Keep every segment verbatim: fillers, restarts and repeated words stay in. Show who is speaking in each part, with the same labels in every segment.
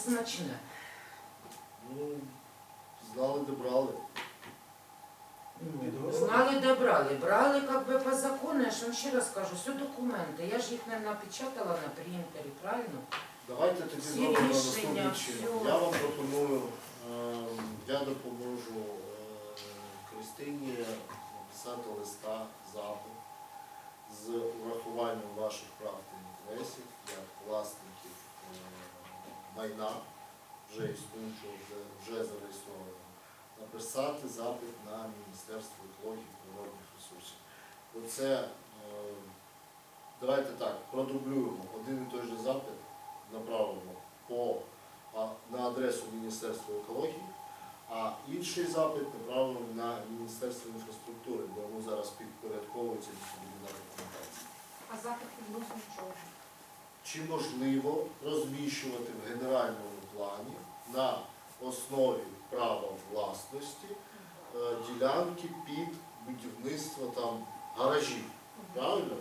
Speaker 1: смачне.
Speaker 2: Ну, знали, де брали.
Speaker 1: Ну, знали, де брали. Брали, як би, по закону, я ж вам ще раз кажу, все документи. Я ж їх не напечатала на принтері, правильно?
Speaker 2: Давайте тоді
Speaker 1: Всі
Speaker 2: зробимо
Speaker 1: рішення,
Speaker 2: наступним чином.
Speaker 1: всьо.
Speaker 2: Я вам пропоную, е, я допоможу е, Кристині написати листа, запит з урахуванням ваших прав та інтересів як власників е, майна, вже існуючого, вже, вже зареєстрованого, написати запит на Міністерство екології і природних ресурсів. Оце, е, давайте так, продублюємо один і той же запит, направимо по, а, на адресу Міністерства екології, а інший запит направимо на Міністерство інфраструктури, бо йому зараз підпорядковується відповідна документація.
Speaker 3: А запит відносно чого?
Speaker 2: Чи можливо розміщувати в генеральному плані на основі права власності е, ділянки під будівництво там гаражів? Правильно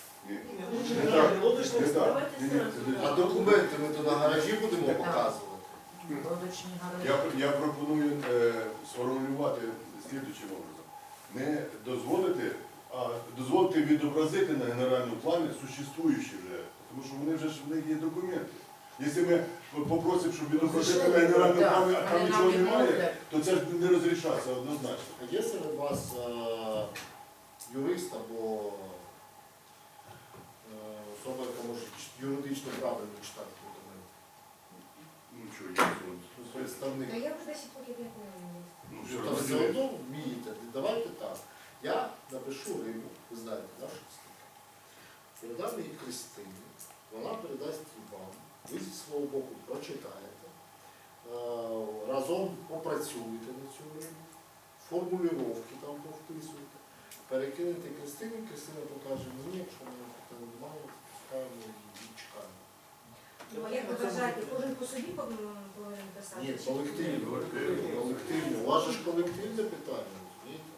Speaker 2: розумієте? А документи ми то на гаражі будемо показувати?
Speaker 1: Лодочні гаражі.
Speaker 4: Я, я пропоную е, сформулювати слідуючим образом. Не дозволити, а дозволити відобразити на генеральному плані существуючі вже, тому що вони вже ж в них є документи. Якщо ми попросимо, щоб відобразити на генеральному плані, а там нічого немає, то це ж не розрішаться однозначно.
Speaker 2: А є серед вас е, юрист або е, особа, яка може ч- юридично правильно читати документи?
Speaker 4: Ну що, є суд.
Speaker 2: Ну, представник.
Speaker 3: Та я вже десять років як не
Speaker 4: Ну,
Speaker 2: Ну,
Speaker 4: все
Speaker 2: там все
Speaker 4: одно.
Speaker 2: одно вмієте. Давайте так. Я напишу Риму, ви знаєте, нашу статтю. Передам її Кристині, вона передасть її вам, ви зі свого боку прочитаєте, е, разом попрацюєте на цю Риму, формулювання там повписуєте, перекинете Кристині, Кристина покаже мені, якщо мене питань немає, пускаємо і чекаємо.
Speaker 3: Ну, а як ви вважаєте, кожен по собі повинен писати?
Speaker 2: Ні,
Speaker 3: Чи-
Speaker 2: колективно, колективно. У вас же ж колективне питання, розумієте?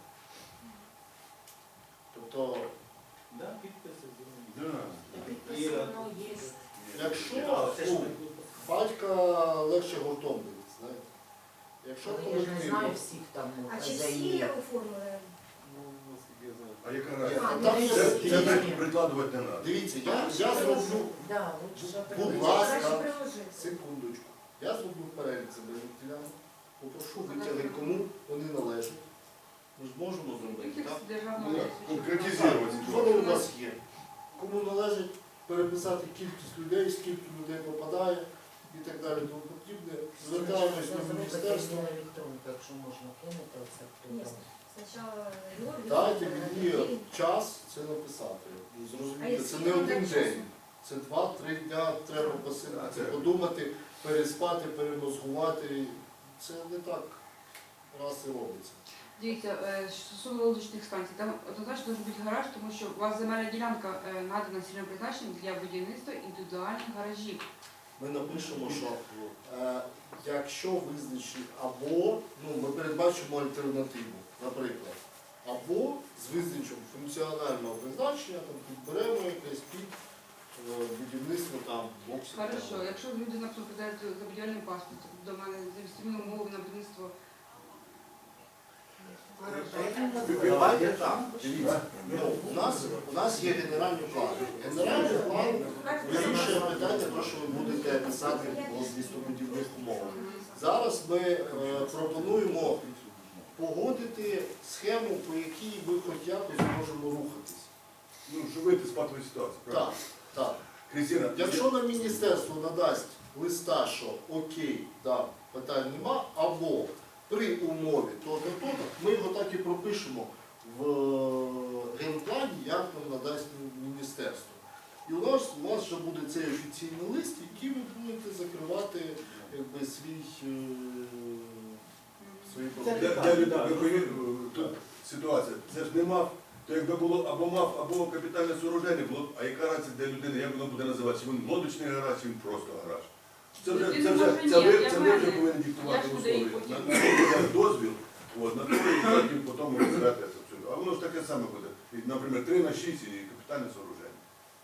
Speaker 2: Тобто,
Speaker 5: Да, підписи
Speaker 4: Да.
Speaker 1: Підписи воно є.
Speaker 2: якщо
Speaker 5: це ж
Speaker 2: ну, батька легше гуртом бити, знаєте. Якщо
Speaker 1: Але я ж не знаю
Speaker 2: колективно,
Speaker 1: всіх там
Speaker 3: А чи всі
Speaker 1: хазяїв.
Speaker 3: оформили?
Speaker 5: Ну, наскільки я знаю.
Speaker 4: А яка
Speaker 2: Ні,
Speaker 4: разниця?
Speaker 3: А,
Speaker 2: там
Speaker 3: ну,
Speaker 2: все-
Speaker 4: Це, це
Speaker 2: дивіться,
Speaker 4: при- прикладувати не треба.
Speaker 2: дивіться, я, я зроблю,
Speaker 1: Да, лучше
Speaker 2: будь
Speaker 1: прийти.
Speaker 2: ласка,
Speaker 3: Краще приложити.
Speaker 2: секундочку, я зроблю перелік земельних ділянок, попрошу витяги, кому вони належать. Ми ж можемо зробити, так?
Speaker 4: Ну, так, конкретизувати.
Speaker 2: Що у нас є? Кому належить переписати кількість людей, скільки людей попадає і так далі, тому потрібне. Звертаємось до міністерства.
Speaker 1: Електронку, якщо можна кинути, оце хто
Speaker 3: Ні,
Speaker 1: там.
Speaker 3: спочатку його
Speaker 2: Дайте
Speaker 3: відповідати.
Speaker 2: мені час це написати. Ну,
Speaker 3: А
Speaker 2: зрозуміти,
Speaker 3: якщо
Speaker 2: це не
Speaker 3: вам
Speaker 2: один
Speaker 3: дати
Speaker 2: день.
Speaker 3: часу?
Speaker 2: Це два-три дня треба посидіти,
Speaker 4: Це-
Speaker 2: подумати, переспати, перемозгувати. Це не так раз і робиться.
Speaker 6: Дивіться, е, що стосовно лодочних станцій, там однозначно може бути гараж, тому що у вас земельна ділянка е, надана цільовим призначенням для будівництва індивідуальних гаражів.
Speaker 2: Ми напишемо, що е, якщо визначить або, ну, ми передбачимо альтернативу, наприклад, або з визначенням функціонального призначення там, підберемо якесь під е, будівництво там боксів.
Speaker 6: Хорошо, якщо люди, наприклад, подають за будівельним паспортом до мене за відповідні умови на будівництво.
Speaker 2: Давайте так, дивіться. Ну, у, нас, у нас є генеральний план. Генеральний план вирішує питання, про що ви будете писати в містобудівних умовах. Зараз ми е, пропонуємо погодити схему, по якій ми хоч якось можемо рухатись.
Speaker 4: Ну, щоб вийти з патової ситуації,
Speaker 2: Так,
Speaker 4: правильно?
Speaker 2: так.
Speaker 4: Крістіна,
Speaker 2: Якщо нам міністерство надасть листа, що окей, да, питань нема, або при умові то-то, то-то, ми його так і пропишемо в генплані, як нам надасть міністерство. І у нас, у вас вже буде цей офіційний лист, який ви будете закривати якби, свій, е, свої
Speaker 4: для,
Speaker 2: проблеми.
Speaker 4: для людей, ви повинні, тут ситуація, це ж не мав, то якби було або мав, або капітальне сооруження, було, а яка разниця для людини, як воно буде називатися, він лодочний гараж, чи він просто гараж. Це вже,
Speaker 6: Він
Speaker 4: це
Speaker 6: може
Speaker 4: вже,
Speaker 6: ні,
Speaker 4: це ви,
Speaker 6: я
Speaker 4: це ви вже
Speaker 6: знаю.
Speaker 4: повинні диктувати
Speaker 6: Я ж буду
Speaker 4: условия.
Speaker 6: їх потім.
Speaker 4: На на то дасть дозвіл, от, на то і потім потім розглядати це все. А воно ж таке саме буде. І, наприклад, три на шість і капітальне сооруження.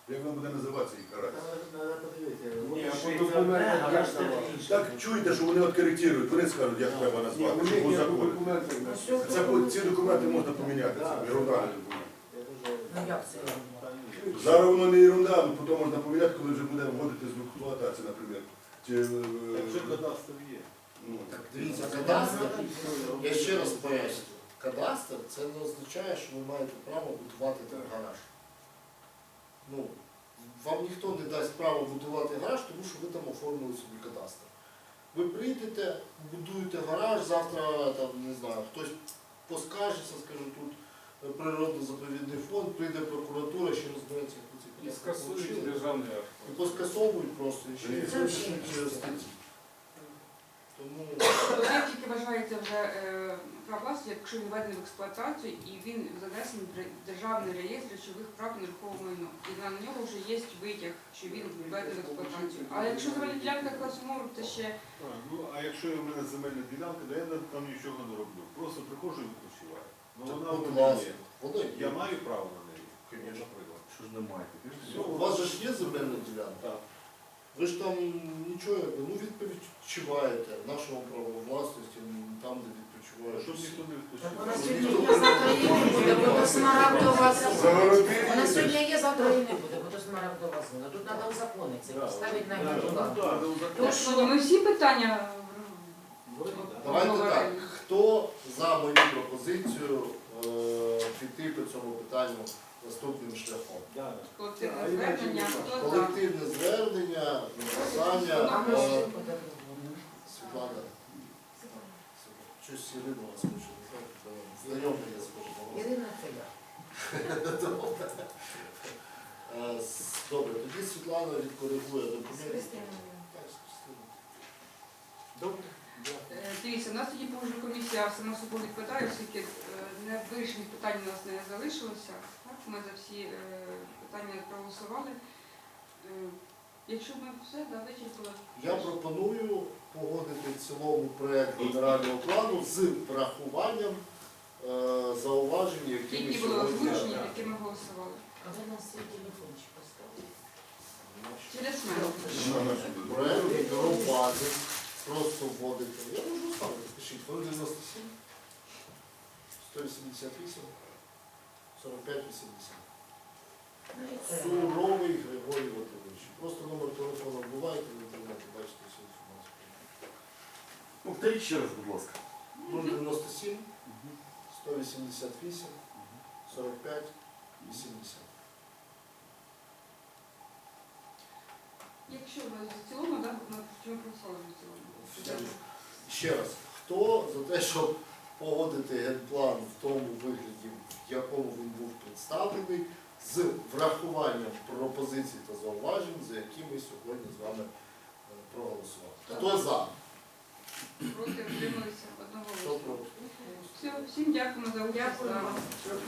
Speaker 4: Як воно буде називатися їх гараж?
Speaker 5: Треба подивитися.
Speaker 7: Ні,
Speaker 5: Вони
Speaker 7: а
Speaker 5: ще й
Speaker 7: по документах
Speaker 5: це
Speaker 7: як
Speaker 5: одне,
Speaker 7: давали?
Speaker 5: а інше.
Speaker 4: Так чуєте, що вони от коректують, вони скажуть, як треба
Speaker 7: Ні,
Speaker 4: назвати,
Speaker 7: у
Speaker 4: щоб
Speaker 7: них
Speaker 4: по
Speaker 7: є
Speaker 4: закону.
Speaker 7: документи.
Speaker 1: Ось
Speaker 4: Це по- ці документи можна поміняти, це ерунда не документи.
Speaker 5: Я дуже-
Speaker 1: Ну як це?
Speaker 5: Та ні.
Speaker 4: Зараз воно не ерунда, але потім можна поміняти, коли вже буде вводити з експлуатації, наприклад. Чи, е,
Speaker 5: Так вже кадастр є.
Speaker 4: ну,
Speaker 2: Так, дивіться, кадастр, я ще раз поясню. Кадастр це не означає, що ви маєте право будувати там гараж. Ну, вам ніхто не дасть право будувати гараж, тому що ви там оформили собі кадастр. Ви прийдете, будуєте гараж, завтра там, не знаю, хтось поскаржиться, скаже, тут природно-заповідний фонд, прийде прокуратура, ще розбереться, як ви
Speaker 7: І
Speaker 2: це
Speaker 7: скасують державний акт.
Speaker 2: І поскасовують просто, і ще
Speaker 4: Це
Speaker 2: і
Speaker 1: взагалі
Speaker 2: через статті. Тому
Speaker 6: Об'єкт тільки вважається вже е, прав власності, якщо він введений в експлуатацію і він занесений в ре- державний реєстр речових прав на нерухоме майно. І на нього вже є витяг, що він введений в експлуатацію. Але якщо земельна ділянка класу мору, це ще
Speaker 5: А, Ну, а якщо в мене земельна ділянка, то я там нічого не роблю. Просто приходжу і відпочиваю. Ну
Speaker 2: так,
Speaker 5: вона в
Speaker 2: будь
Speaker 5: мене
Speaker 2: ласка,
Speaker 5: є.
Speaker 2: воно
Speaker 5: Я
Speaker 2: є.
Speaker 5: маю право на неї,
Speaker 2: Конечно.
Speaker 5: наприклад.
Speaker 7: Що ж немає?
Speaker 2: У вас же ж є земельна ділянка?
Speaker 5: Так.
Speaker 2: Ви ж там нічого, ну відпочиваєте в нашому праву власності, там, де відпочиваєте.
Speaker 5: Щоб ніхто не
Speaker 1: Так вона
Speaker 5: відпочивав.
Speaker 1: сьогодні є, завтра її не буде, бо до смарагдова зона.
Speaker 4: Загородили.
Speaker 1: Вона сьогодні є, завтра її не буде, бо до смарагдова зона. Тут треба узаконити це, поставити на
Speaker 5: Да,
Speaker 1: її
Speaker 5: ну,
Speaker 1: ділянку.
Speaker 5: да, ну,
Speaker 1: Ну,
Speaker 5: так.
Speaker 1: що?
Speaker 6: ми всі питання
Speaker 5: Вроді так.
Speaker 2: Давайте так,
Speaker 6: обговорили.
Speaker 2: хто за мою пропозицію е, піти по цьому питанню наступним шляхом?
Speaker 5: Да, да.
Speaker 6: Колективне
Speaker 7: А, іначе
Speaker 6: звернення,
Speaker 7: нема.
Speaker 6: хто за?
Speaker 2: Колективне звернення, написання,
Speaker 1: А ми ж
Speaker 2: е,
Speaker 1: всі подивимося.
Speaker 2: Світлана, щось Ірина вас хоче, не знаю, знайомий я схожу на вас.
Speaker 1: Ірина, це я.
Speaker 2: Е, с- Добре, тоді Світлана відкоригує
Speaker 1: З
Speaker 2: документи.
Speaker 1: Христиною.
Speaker 2: Так, з Христиною.
Speaker 5: Добре.
Speaker 6: Е, Дивіться, у нас тоді погоджувальна комісія сама собою відповідає, оскільки е, не вирішені питання у нас не залишилося. Так, ми за всі е, питання проголосували. Е, Якщо ми все, да, вичерпали.
Speaker 2: Я пропоную погодити в цілому проект генерального плану з врахуванням е, зауважень, які ми
Speaker 6: Які були
Speaker 2: сьогодні.
Speaker 6: озвучені, які ми голосували.
Speaker 1: А ви на свій телефончик поставили.
Speaker 6: Через мене.
Speaker 2: Проект бюро бази. Просто вводити. Я можу ставити, пишіть. Фон дев'яносто сім, сто вісімдесят вісім, сорок п'ять вісімдесят.
Speaker 1: Ну і це.
Speaker 2: Суровий Григорій Ватович. Просто номер телефону вбиваєте в інтернеті, бачите всю інформацію.
Speaker 7: Повторіть ще раз, будь ласка.
Speaker 2: нуль дев'яносто сім, сто вісімдесят вісім, сорок п'ять вісімдесят.
Speaker 6: Якщо ви в цілому, так, ми чому проголосували в цілому?
Speaker 2: Ще раз, хто за те, щоб погодити генплан в тому вигляді, в якому він був представлений, з врахуванням пропозицій та зауважень, за які ми сьогодні з вами е, проголосували. Хто за?
Speaker 6: Проти, утрималися одного
Speaker 2: Хто
Speaker 6: голосу.
Speaker 2: проти?
Speaker 6: Все, всім дякуємо за участь.
Speaker 3: Дякую.
Speaker 6: Да.